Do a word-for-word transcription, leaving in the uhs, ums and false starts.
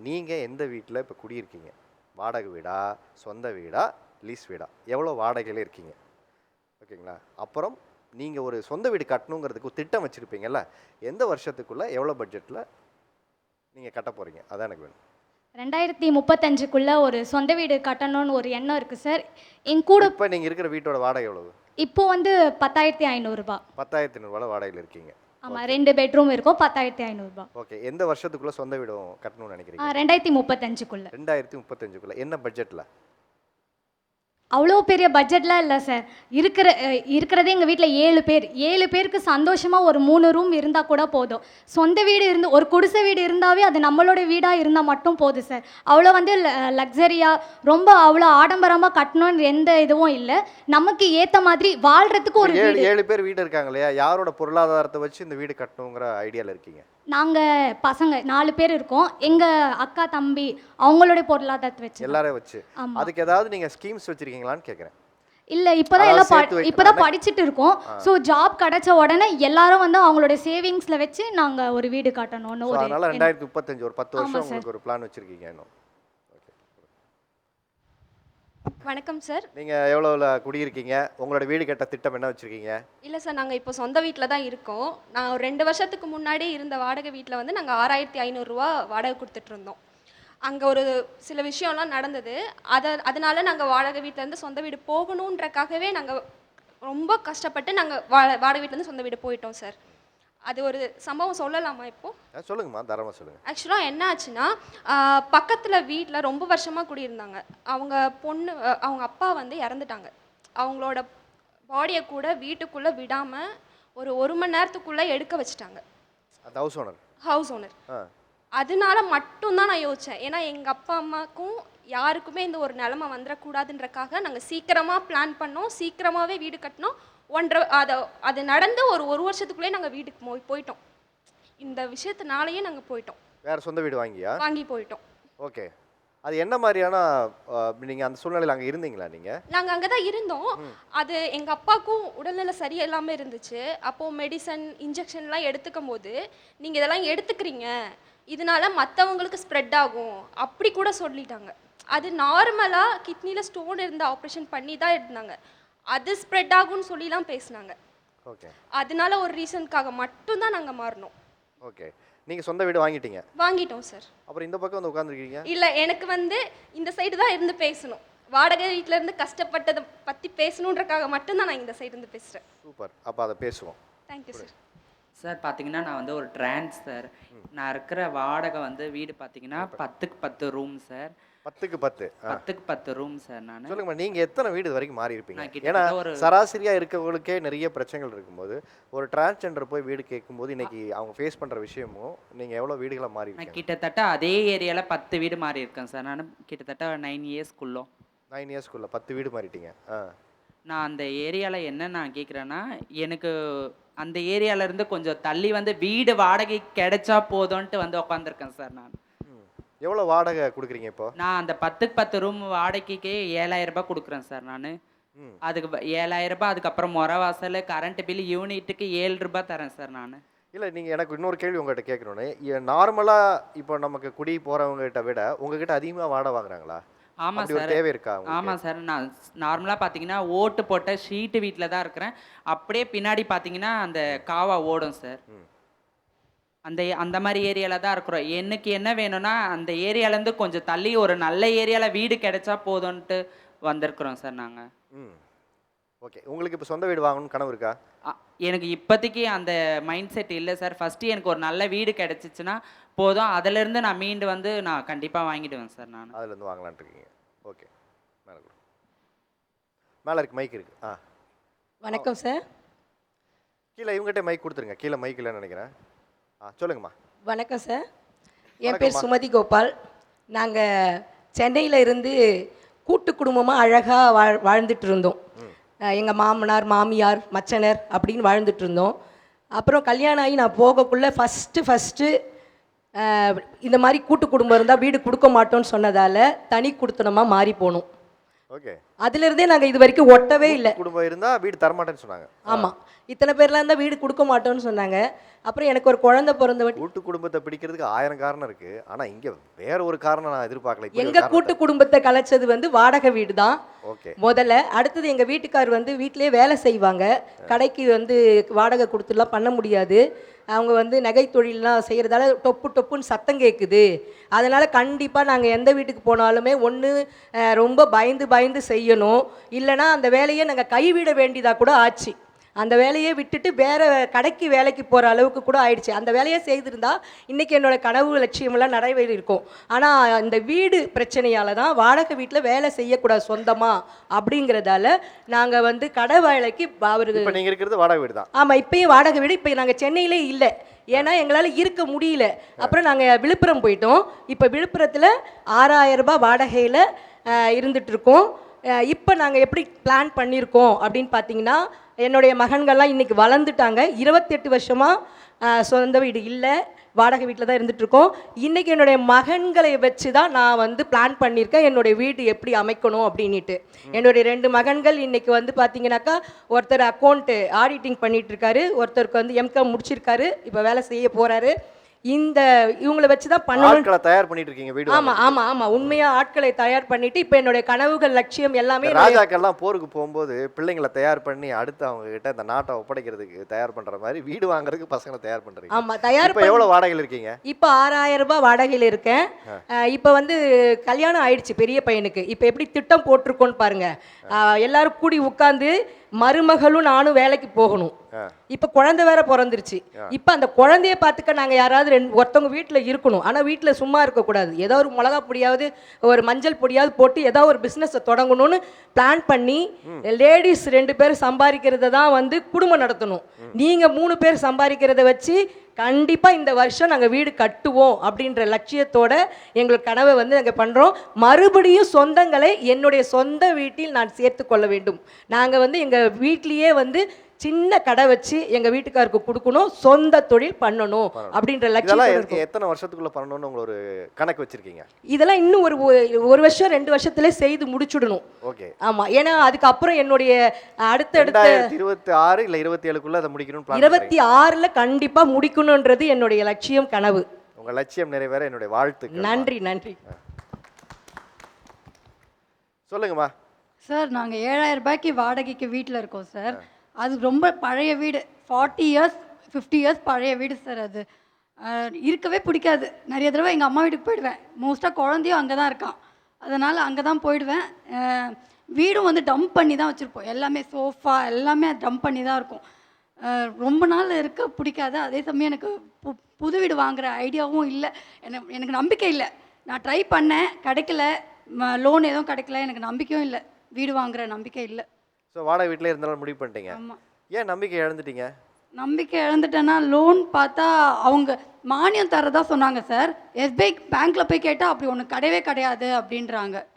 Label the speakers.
Speaker 1: நீங்கள் எந்த வீட்டில் இப்போ குடியிருக்கீங்க? வாடகை வீடா, சொந்த வீடா, லீஸ் வீடா? எவ்வளோ வாடகையில் இருக்கீங்க? ஓகேங்களா? அப்புறம் நீங்கள் ஒரு சொந்த வீடு கட்டணுங்கிறதுக்கு ஒரு திட்டம் வச்சுருப்பீங்கல்ல, எந்த வருஷத்துக்குள்ளே எவ்வளோ பட்ஜெட்டில் நீங்கள் கட்ட போகிறீங்க? அதான் எனக்கு வேணும்.
Speaker 2: ரெண்டாயிரத்தி முப்பத்தஞ்சுக்குள்ளே ஒரு சொந்த வீடு கட்டணும்னு ஒரு எண்ணம் இருக்குது சார். என் கூட
Speaker 1: இப்போ நீங்கள் இருக்கிற வீட்டோட வாடகை எவ்வளவு?
Speaker 2: இப்போ வந்து பத்தாயிரத்தி ஐநூறுரூபா.
Speaker 1: பத்தாயிரத்தி ஐநூறுரூவா வாடகையில் இருக்கீங்க.
Speaker 2: ஆமாம், ரெண்டு பெட்ரூம் இருக்கும், பத்தாயிரத்தி ஐநூறுரூபா.
Speaker 1: ஓகே. எந்த வருஷத்துக்குள்ளே சொந்த வீடும் கட்டணும்னு நினைக்கிறீங்க?
Speaker 2: ரெண்டாயிரத்தி முப்பத்தஞ்சுக்குள்ளே.
Speaker 1: ரெண்டாயிரத்தி முப்பத்தஞ்சுக்குள்ளே என்ன பட்ஜெட்டில்?
Speaker 2: அவ்வளோ பெரிய பட்ஜெட்லாம் இல்லை சார். இருக்கிற அஹ், இருக்கிறதே எங்கள் வீட்டில் ஏழு பேர். ஏழு பேருக்கு சந்தோஷமாக ஒரு மூணு ரூம் இருந்தால் கூட போதும். சொந்த வீடு இருந்து ஒரு குடிசை வீடு இருந்தாவே அது நம்மளோட வீடாக இருந்தால் மட்டும் போதும் சார். அவ்வளோ வந்து லக்ஸரியாக ரொம்ப அவ்வளோ ஆடம்பரமாக கட்டணும்னு எந்த இதுவும் இல்லை. நமக்கு ஏற்ற மாதிரி வாழ்கிறதுக்கு ஒரு
Speaker 1: ஏழு
Speaker 2: வீடு.
Speaker 1: ஏழு பேர் வீடு இருக்காங்க இல்லையா? யாரோட பொருளாதாரத்தை வச்சு இந்த வீடு கட்டணுங்கிற ஐடியாவில் இருக்கீங்க?
Speaker 2: நாங்கள் பசங்க நாலு பேர் இருக்கோம். எங்கள் அக்கா தம்பி அவங்களுடைய பொருளாதாரத்தை வச்சு.
Speaker 1: எல்லாரையும் வச்சு.
Speaker 2: ஆமாம்.
Speaker 1: அதுக்கு ஏதாவது நீங்கள் ஸ்கீம்ஸ் வச்சுருக்கீங்களான்னு கேட்குறேன்.
Speaker 2: இல்லை, இப்போதான்
Speaker 1: அதாவது
Speaker 2: எல்லாம்
Speaker 1: சேர்த்து
Speaker 2: ப
Speaker 1: வைக்க-
Speaker 2: இப்போதான்
Speaker 1: அதான்
Speaker 2: படிச்சுட்டு இருக்கோம். ஸோ ஜாப் கிடைச்ச உடனே எல்லாரும் வந்து அவங்களோட சேவிங்ஸில் வச்சு நாங்கள் ஒரு வீடு கட்டணும்னு
Speaker 1: ஸோ
Speaker 2: ஒரு
Speaker 1: அதனால் ரெண்டாயிரத்தி முப்பத்தஞ்சு ஒரு பத்து
Speaker 2: ஆமா
Speaker 1: வருஷம்
Speaker 2: சார்.
Speaker 1: உங்களுக்கு ஒரு பிளான் வச்சுருக்கீங்க இன்னும்.
Speaker 3: வணக்கம் சார்.
Speaker 1: நீங்கள் எவ்வளோவில் குடியிருக்கீங்க? உங்களோட வீடு கட்ட திட்டம் என்ன வச்சுருக்கீங்க?
Speaker 3: இல்லை சார், நாங்கள் இப்போ சொந்த வீட்டில் தான் இருக்கோம். நான் ஒரு ரெண்டு வருஷத்துக்கு முன்னாடி இருந்த வாடகை வீட்டில் வந்து நாங்கள் ஆறாயிரத்தி ஐநூறுரூவா வாடகை கொடுத்துட்ருந்தோம். அங்கே ஒரு சில விஷயம்லாம் நடந்தது. அதை அதனால நாங்கள் வாடகை வீட்டிலேருந்து சொந்த வீடு போகணுன்றக்காகவே நாங்கள் ரொம்ப கஷ்டப்பட்டு நாங்கள் வா வாடகை வீட்டிலேருந்து சொந்த வீடு போயிட்டோம் சார். அது ஒரு சம்பவம் சொல்லலாமா இப்போது?
Speaker 1: ஆ, சொல்லுங்கம்மா, தாராளமாக சொல்லுங்கள்.
Speaker 3: ஆக்சுவலாக என்ன ஆச்சுன்னா, பக்கத்தில் வீட்டில் ரொம்ப வருஷமாக குடியிருந்தாங்க. அவங்க பொண்ணு அஹ், அவங்க அப்பா வந்து இறந்துட்டாங்க. அவங்களோட பாடியை கூட வீட்டுக்குள்ளே விடாமல் ஒரு ஒரு மணி நேரத்துக்குள்ளே எடுக்க வச்சுட்டாங்க
Speaker 1: அந்த ஹவுஸ் ஓனர்.
Speaker 3: House owner.
Speaker 1: ஆ,
Speaker 3: அதனால மட்டும்தான் நான் யோசித்தேன். ஏன்னா எங்கள் அப்பா அம்மாவுக்கும் யாருக்குமே இந்த ஒரு நிலமை வந்துடக்கூடாதுன்றக்காக நாங்கள் சீக்கிரமாக பிளான் பண்ணோம். சீக்கிரமாகவே வீடு கட்டினோம். ஒன்றரை அதை அது நடந்து ஒரு ஒரு வருஷத்துக்குள்ளே நாங்கள் வீட்டுக்கு போய் போயிட்டோம். இந்த விஷயத்தினாலேயே நாங்கள் போயிட்டோம்,
Speaker 1: வேறு சொந்த வீடு வாங்கியா?
Speaker 3: வாங்கி போயிட்டோம்.
Speaker 1: ஓகே. அது என்ன மாதிரியான நீங்கள் அந்த சூழ்நிலையில் அங்கே இருந்தீங்களா நீங்கள்?
Speaker 3: நாங்கள் அங்கே தான் இருந்தோம். அது எங்கள் அப்பாவுக்கும் உடல்நிலை சரியில்லாமல் இருந்துச்சு. அப்போது மெடிசன் இன்ஜெக்ஷன்லாம் எடுத்துக்கும் போது நீங்கள் இதெல்லாம் எடுத்துக்கிறீங்க, இதனால மற்றவங்களுக்கு ஸ்ப்ரெட் ஆகும் அப்படி கூட சொல்லிட்டாங்க. அது நார்மலாக கிட்னியில் ஸ்டோன் இருந்து ஆப்ரேஷன் பண்ணி தான் இருந்தாங்க. அது ஸ்ப்ரெட் ஆகும்னு சொல்லிலாம் பேசினாங்க.
Speaker 1: ஓகே.
Speaker 3: அதனால ஒரு ரீசனுக்காக மட்டும்தான் நாங்கள் மாறினோம்.
Speaker 1: ஓகே. நீங்கள் சொந்த வீடு வாங்கிட்டீங்க,
Speaker 3: வாங்கிட்டோம் சார்.
Speaker 1: அப்புறம் இந்த பக்கம் வந்து உட்காந்துருக்கீங்க.
Speaker 3: இல்லை, எனக்கு வந்து இந்த சைடு தான் இருந்து பேசணும். வாடகை வீட்டில் இருந்து கஷ்டப்பட்டதை பற்றி பேசணுன்றக்காக மட்டும்தான் நான் இந்த சைடு இருந்து பேசுகிறேன்.
Speaker 1: சூப்பர். அப்போ அதை பேசுவோம்.
Speaker 3: Thank you sir.
Speaker 4: சார் பார்த்தீங்கன்னா நான் வந்து ஒரு ட்ரான்ஸ் சார். நான் இருக்கிற வாடகை வந்து வீடு பார்த்தீங்கன்னா பத்துக்கு பத்து ரூம் சார்.
Speaker 1: பத்துக்கு பத்து. ஆ,
Speaker 4: பத்துக்கு பத்து ரூம் சார். நான்
Speaker 1: சொல்லுங்கம்மா, நீங்கள் எத்தனை வீடு இது வரைக்கும் மாறி இருப்பீங்க?
Speaker 4: நான்
Speaker 1: ஏன்னா
Speaker 4: கிட்டத்தட்ட ஒரு
Speaker 1: சராசரியாக இருக்கவங்களுக்கே நிறைய பிரச்சனைகள் இருக்கும்போது ஒரு டிரான்ஸ்ஜெண்டர் போய் வீடு கேட்கும்போது இன்னைக்கு அவங்க ஃபேஸ் பண்ணுற விஷயமும் நீங்கள் எவ்வளோ வீடுகளை மாறி
Speaker 4: நான்
Speaker 1: இருக்கீங்க?
Speaker 4: கிட்டத்தட்ட அதே ஏரியாவில் பத்து வீடு மாறி இருக்கேன் சார். நான் கிட்டத்தட்ட நைன் இயர்ஸ்க்குள்ளோ
Speaker 1: நைன் இயர்ஸ்க்குள்ளே பத்து வீடு மாறிட்டீங்க. ஆ,
Speaker 4: நான் அந்த ஏரியாவில் என்ன நான் கேட்குறேன்னா, எனக்கு அந்த ஏரியாவிலேருந்து கொஞ்சம் தள்ளி வந்து வீடு வாடகை கிடைச்சா போதும்ன்ட்டு வந்து உட்காந்துருக்கேன் சார். நான்
Speaker 1: ம். எவ்வளோ வாடகை கொடுக்குறீங்க இப்போ?
Speaker 4: நான் அந்த பத்துக்கு பத்து ரூம் வாடகைக்கே ஏழாயிரம் ரூபாய் கொடுக்குறேன் சார். நான்
Speaker 1: ம்.
Speaker 4: அதுக்கு ப- ஏழாயிரம் ரூபாய், அதுக்கப்புறம் முறை வாசல் கரண்ட் பில் யூனிட்டுக்கு ஏழு ரூபாய் தரேன் சார். நான்
Speaker 1: இல்லை, நீங்கள் எனக்கு இன்னொரு கேள்வி உங்கள்கிட்ட கேட்கணுன்னு, நார்மலாக இப்போ நமக்கு குடி போகிறவங்ககிட்ட விட உங்ககிட்ட அதிகமாக வாடகை வாங்குறாங்களா?
Speaker 4: ஆமாம்
Speaker 1: அப்படி ஒரு
Speaker 4: சார்.
Speaker 1: தேவை இருக்கா உங்களுக்கு?
Speaker 4: ஆமாம் சார். நான் நார்மலாக பார்த்தீங்கன்னா ஓட்டு போட்ட ஷீட்டு வீட்டில் தான் இருக்கிறேன். அப்படியே பின்னாடி பார்த்தீங்கன்னா அந்த காவா ஓடும் சார்.
Speaker 1: ம்.
Speaker 4: அந்த அந்த மாதிரி ஏரியாவில் தான் இருக்கிறோம். எனக்கு என்ன வேணும்னா அந்த ஏரியாலேருந்து கொஞ்சம் தள்ளி ஒரு நல்ல ஏரியாவில் வீடு கிடைச்சா போதும்ன்ட்டு வந்திருக்கிறோம் சார் நாங்கள்.
Speaker 1: ம். ஓகே. உங்களுக்கு இப்போ சொந்த வீடு வாங்கணும்னு கனவு இருக்கா?
Speaker 4: எனக்கு இப்போதைக்கு அந்த மைண்ட் செட் இல்லை சார். ஃபஸ்ட்டு எனக்கு ஒரு நல்ல வீடு கிடச்சிச்சின்னா போதும். அதிலேருந்து நான் மீண்டு வந்து நான் கண்டிப்பாக வாங்கிடுவேன் சார். நான்
Speaker 1: அதுலேருந்து வாங்கலான்ட்டு இருக்கீங்க. ஓகே. மேலே கொடு. மேலே இருக்கு, மைக் இருக்கு. ஆ,
Speaker 5: வணக்கம் சார்.
Speaker 1: கீழே இவங்ககிட்ட மைக் கொடுத்துருங்க. கீழே மைக் இல்லைன்னு நினைக்கிறேன். ஆ, சொல்லுங்கம்மா.
Speaker 5: வணக்கம் சார். என்
Speaker 1: வணக்கம்மா.
Speaker 5: பேர் சுமதி கோபால். நாங்கள் சென்னையில் இருந்து கூட்டு குடும்பமாக அழகாக வாழ் வாழ்ந்துட்டு இருந்தோம். எங்கள் மாமனார் மாமியார் மச்சனர் அப்படின்னு வாழ்ந்துட்டு இருந்தோம். அப்புறம் கல்யாணம் ஆகி நான் போகக்குள்ளே ஃபஸ்ட்டு ஃபஸ்ட்டு இந்த மாதிரி கூட்டு குடும்பம் இருந்தால் வீடு கொடுக்க மாட்டோம்னு சொன்னதால் தனி குடுத்தனமாக மாறி போனோம்.
Speaker 1: ஓகே.
Speaker 5: அதிலிருந்தே நாங்கள் இது வரைக்கும் ஒட்டவே இல்லை.
Speaker 1: குடும்பம் இருந்தால் வீடு தரமாட்டேன்னு சொன்னாங்க.
Speaker 5: ஆமாம், இத்தனை பேர்லாம் இருந்தால் வீடு கொடுக்க மாட்டோம்னு சொன்னாங்க. அப்புறம் எனக்கு ஒரு குழந்தை பிறந்த
Speaker 1: கூட்டு குடும்பத்தை பிடிக்கிறதுக்கு ஆயிரம் காரணம் இருக்கு. ஆனா இங்க வேற ஒரு காரணம் நான் எதிர்பார்க்கல. இப்படி ஒரு
Speaker 5: எங்க
Speaker 1: காரணத்தை-
Speaker 5: கூட்டு குடும்பத்தை கலைச்சது வந்து வாடகை வீடு தான்
Speaker 1: ஓகே.
Speaker 5: முதல்ல. அடுத்தது எங்க வீட்டுக்கார் வந்து வீட்டிலேயே வேலை செய்வாங்க. கடைக்கு வந்து வாடகை கொடுத்துலாம் பண்ண முடியாது. அவங்க வந்து நகை தொழிலெலாம் செய்கிறதால டொப்பு டொப்புன்னு சத்தம் கேட்குது. அதனால் கண்டிப்பாக நாங்கள் எந்த வீட்டுக்கு போனாலுமே ஒன்று ரொம்ப பயந்து பயந்து செய்யணும், இல்லைனா அந்த வேலையை நாங்கள் கைவிட வேண்டியதாக கூட ஆச்சு. அந்த வேலையை விட்டுட்டு வேறு கடைக்கு வேலைக்கு போகிற அளவுக்கு கூட ஆயிடுச்சு. அந்த வேலையை செய்திருந்தா இன்றைக்கி என்னோட கனவு லட்சியமெல்லாம் நிறைவேறியிருக்கும். ஆனால் இந்த வீடு பிரச்சனையால் தான் வாடகை வீட்டில் வேலை செய்யக்கூடாது சொந்தமாக அப்படிங்கிறதால நாங்கள் வந்து கடை வேலைக்கு அவருக்கு.
Speaker 1: இப்போ நீங்கள் இருக்கிறது வாடகை வீடு தான்.
Speaker 5: ஆமாம், இப்போயும் வாடகை வீடு. இப்போ நாங்கள் சென்னையிலே இல்லை, ஏன்னா எங்களால் இருக்க முடியல. அப்புறம் நாங்கள் விழுப்புரம் போயிட்டோம். இப்போ விழுப்புரத்தில் ஆறாயிரம் ரூபாய் வாடகையில் இருந்துகிட்ருக்கோம். இப்போ நாங்கள் எப்படி பிளான் பண்ணியிருக்கோம் அப்படின்னு பார்த்தீங்கன்னா, என்னுடைய மகன்கள்லாம் இன்றைக்கி வளர்ந்துட்டாங்க. இருபத்தெட்டு வருஷமாக சொந்த வீடு இல்லை, வாடகை வீட்டில் தான் இருந்துகிட்ருக்கோம். இன்றைக்கி என்னுடைய மகன்களை வச்சு தான் நான் வந்து பிளான் பண்ணியிருக்கேன் என்னுடைய வீடு எப்படி அமைக்கணும் அப்படின்ட்டு. என்னுடைய ரெண்டு மகன்கள் இன்றைக்கி வந்து பார்த்தீங்கன்னாக்கா, ஒருத்தர் அக்கௌண்ட்டு ஆடிட்டிங் பண்ணிகிட்ருக்காரு, ஒருத்தருக்கு வந்து எம்காம் முடிச்சிருக்காரு, இப்போ வேலை செய்ய போகிறாரு. இந்த இவங்களை வச்சு தான் பண்ணணும்.
Speaker 1: ஆட்களை தயார் பண்ணிட்டு இருக்கீங்க வீடு.
Speaker 5: ஆமாம் ஆமாம் ஆமாம் உண்மையாக ஆட்களை தயார் பண்ணிட்டு இப்போ என்னுடைய கனவுகள் லட்சியம் எல்லாமே.
Speaker 1: ராஜாக்கள்லாம் போருக்கு போகும்போது பிள்ளைங்களை தயார் பண்ணி அடுத்து அவங்க கிட்ட இந்த நாட்டை ஒப்படைக்கிறதுக்கு தயார் பண்ற மாதிரி வீடு வாங்குறதுக்கு பசங்களை தயார் பண்றீங்க.
Speaker 5: ஆமாம், தயார்.
Speaker 1: இப்போ எவ்வளவு வாடகையில் இருக்கீங்க?
Speaker 5: இப்போ ஆறாயிரம் ரூபாய் வாடகையில் இருக்கேன். இப்போ வந்து கல்யாணம் ஆயிடுச்சு பெரிய பையனுக்கு. இப்போ எப்படி திட்டம் போட்டிருக்கோன்னு பாருங்க. எல்லாரும் கூடி உட்காந்து மருமகளும் நானும் வேலைக்கு போகணும். இப்போ குழந்தை வேற பிறந்துருச்சு. இப்போ அந்த குழந்தைய பார்த்துக்க நாங்கள் யாராவது ரெண்டு ஒருத்தவங்க வீட்டில் இருக்கணும். ஆனால் வீட்டில் சும்மா இருக்கக்கூடாது. ஏதோ ஒரு மிளகா பொடியாவது ஒரு மஞ்சள் பொடியாவது போட்டு ஏதோ ஒரு பிஸ்னஸை தொடங்கணும்னு பிளான் பண்ணி லேடிஸ் ரெண்டு பேர் சம்பாதிக்கிறத தான் வந்து குடும்பம் நடத்தணும். நீங்கள் மூணு பேர் சம்பாதிக்கிறத வச்சு கண்டிப்பாக இந்த வருஷம் நாங்கள் வீடு கட்டுவோம் அப்படின்ற லட்சியத்தோட எங்களுக்கு கனவை வந்து நாங்கள் பண்ணுறோம். மறுபடியும் சொந்தங்களை என்னுடைய சொந்த வீட்டில் நான் சேர்த்து கொள்ள வேண்டும். நாங்கள் வந்து எங்கள் வீட்லேயே வந்து சின்ன கடை வச்சு எங்க வீட்டுக்காருக்கு கொடுக்கணும், சொந்த தொழில் பண்ணணும் அப்படின்ற லட்சியம்.
Speaker 1: எத்தனை வருஷத்துக்குள்ள பண்ணணும்னு உங்களுக்கு ஒரு கணக்கு வச்சிருக்கீங்க?
Speaker 5: இதெல்லாம் இன்னும் ஒரு ஒரு வருஷம் ரெண்டு வருஷத்துல செய்து முடிச்சுடணும்.
Speaker 1: ஓகே.
Speaker 5: ஆமா, ஏன்னா அதுக்கப்புறம் என்னுடைய அடுத்தடுத்த
Speaker 1: இருபத்தி ஆறு இல்ல இருபத்தி ஏழுக்குள்ள அதை முடிக்கணும்.
Speaker 5: இருபத்தி ஆறுல கண்டிப்பா முடிக்கணும்ன்றது என்னுடைய லட்சியம், கனவு.
Speaker 1: உங்க லட்சியம் நிறைவேற என்னுடைய வாழ்த்துக்கள்.
Speaker 5: நன்றி நன்றி.
Speaker 1: சொல்லுங்கம்மா.
Speaker 6: சார், நாங்கள் ஏழாயிரம் ரூபாய்க்கு வாடகைக்கு வீட்டில் இருக்கோம் சார். அது ரொம்ப பழைய வீடு, ஃபார்ட்டி இயர்ஸ் ஃபிஃப்டி இயர்ஸ் பழைய வீடு சார். அது இருக்கவே பிடிக்காது. நிறைய தடவை எங்கள் அம்மா வீட்டுக்கு போயிடுவேன். மோஸ்ட்டாக குழந்தையும் அங்கே தான் இருக்கான், அதனால் அங்கே தான் போயிடுவேன். வீடும் வந்து டம்ப் பண்ணி தான் வச்சுருப்போம். எல்லாமே சோஃபா எல்லாமே டம்ப் பண்ணி தான் இருக்கும். ரொம்ப நாள் இருக்க பிடிக்காது. அதே சமயம் எனக்கு பு புது வீடு வாங்குகிற ஐடியாவும் இல்லை. எனக்கு எனக்கு நம்பிக்கை இல்லை. நான் ட்ரை பண்ணேன், கிடைக்கல. லோன் எதுவும் கிடைக்கல. எனக்கு நம்பிக்கையும் இல்லை, வீடு வாங்குகிற நம்பிக்கை இல்லை.
Speaker 1: ஸோ வாடகை வீட்டில் இருந்தாலும் முடிவு பண்ணிட்டீங்க.
Speaker 6: ஆமாம்.
Speaker 1: ஏன் நம்பிக்கை இழந்துட்டீங்க?
Speaker 6: நம்பிக்கை இழந்துட்டேன்னா, லோன் பார்த்தா அவங்க மானியம் தரதா சொன்னாங்க சார். எஸ்பிஐ பேங்க்கில் போய் கேட்டால் அப்படி ஒன்று கிடையவே கிடையாது அப்படின்றாங்க.